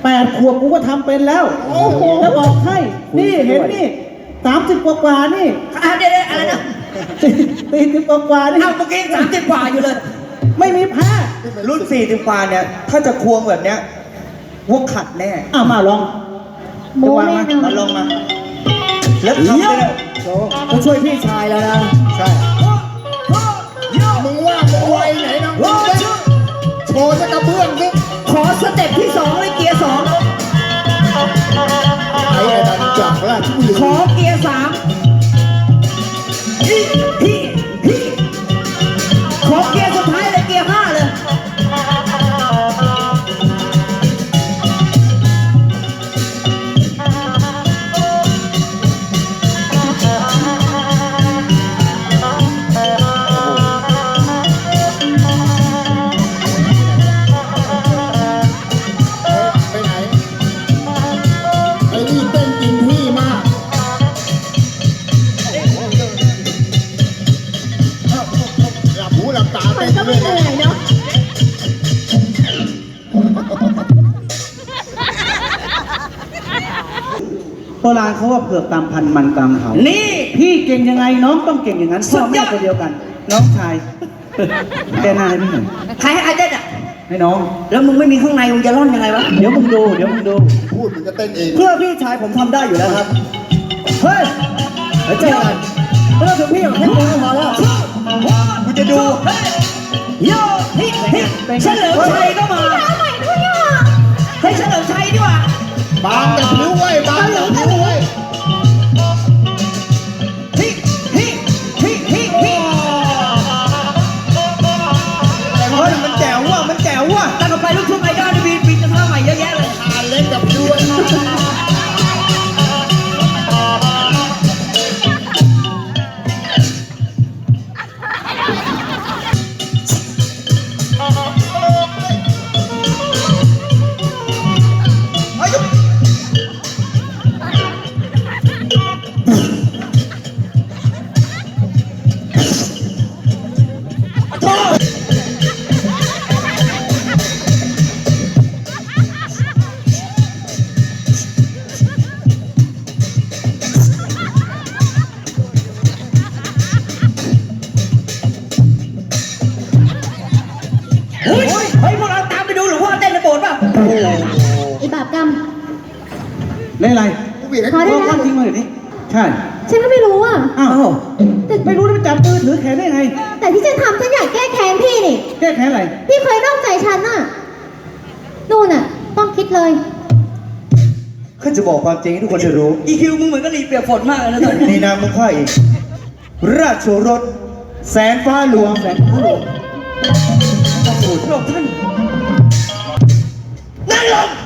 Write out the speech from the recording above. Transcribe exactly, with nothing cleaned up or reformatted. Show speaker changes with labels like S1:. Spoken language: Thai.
S1: แปดขวบกูก็ทำเป็นแล้วแล้วบอกให้นี่เห็นนี่สามสิบกว่าๆนี่
S2: อ่ะเดี๋ยวอะไรนะ
S1: สี่สิบกว่าๆนี่
S2: เอาเมื่อกี้สามสิบกว่าอยู่เลย
S1: ไม่มีแพ้
S3: รุ่นสี่สิบกว่าเนี่ย ถ้าจะควงแบบเนี้ยวัวขัดแน่
S1: อ้าวมาลอง
S4: โมแน่นอ
S3: มาน ลองมา แล้วทำได้เลย
S1: ต้องช่วยพี่ชายแล้วนะ
S3: ใช่
S5: มึงว่ามึงไวไหนนะมึงเล่นโชว์จะกระเบื้องสิ
S2: ขอสเต็ปที่สองเลยเกียร์สอง
S5: ไอ้ไอ้ดันจากราชบุรี
S2: ขอเกียร์สามพี่พี่พี่ขอเกียร์สุดท้ายเลยเกียร์ห้าเลย
S5: ไปไหนไอ้นี่เต้นกินที่มากหลับหูหลับตา
S4: มั
S5: เต้
S4: น
S5: น
S4: ก็
S5: เล
S4: ไม่
S5: ย
S4: เหนื่อยเนาะ
S1: โบราณเขาว่าเผือกตามพันมันตามเขา
S2: นี่
S1: พี่เก่งยังไงน้องต้องเก่งอย่างนั้น
S2: สุ
S1: พ่อ
S2: ดย
S1: แม่
S2: อด
S1: คนเดียวกัน น้องชาย แกหน้าให้พี่หน่อย
S2: ใครให้อาเต้นอ่ะ
S1: ให้น้อง
S2: แล้วมึงไม่มีข้างในมึงจะร่อนยังไงวะ
S1: เดี๋ยวมึงดูเดี๋ยวมึงดู
S5: พูดมึงจะเต้นเอง
S1: เพื่อพี่ชายผมทำได้อยู่แล้วครับเฮ้ยเฮ้ยเจอกันไม่ต้องถึงพี่หรอกแค่กูก็พอแล้ว
S3: กูจะดู
S2: โยฮิฮิเฉลิมชัยก็มาเฮ้ยเฉลิมชัยดีกว่า
S5: บางแต่ผิวไว้บางแต่ผิวไว้
S2: ฮิฮิฮิฮิฮิ
S3: เฮ้ยมันแจ๋วว่ะมันแจ๋วว่ะ
S2: ตั้งแต่ไปลูกทุ่งไอดอลมีปีจะท่าใหม่เยอะแยะเลย
S5: ขาเล็กกับผิวไว้
S2: เฮ้ยเฮ้ยพวกเราตามไปดูหลวงพ่อเต้นในโบสถ์ป่ะ
S4: ไอ้บาปกรรม
S1: เล่นอะไร
S5: กูบีบให้
S4: ขอ
S1: เอ
S4: ได้
S1: อ
S4: ไหม
S1: ความจริงมาเดี๋ยวนี้ใช่
S4: ฉันก็ไม่รู้อ่ะ
S1: อ้าว
S4: แต่
S1: ไม่รู้แล้วไปจับมือถือแขนได้ไง
S4: แต่ที่ฉันทำฉันอยากแก้แค้นพี่นี่
S1: แก้แขนอะไร
S4: พี่เคยนอกใจฉันน่ะ นู่นน่ะ ต้องคิดเลย
S3: ข้าจะบอกความจริงให้ทุกคนได้รู้
S2: อีคิวมึงเหมือนกะหรี่เปียกฝนมากเลยนะตอนนี้
S3: นี่นามของข้าเองราชโอรสแสนฟ้าหลวงแสนฟ้าหลวง
S2: พระองค์ท่านนั่นลง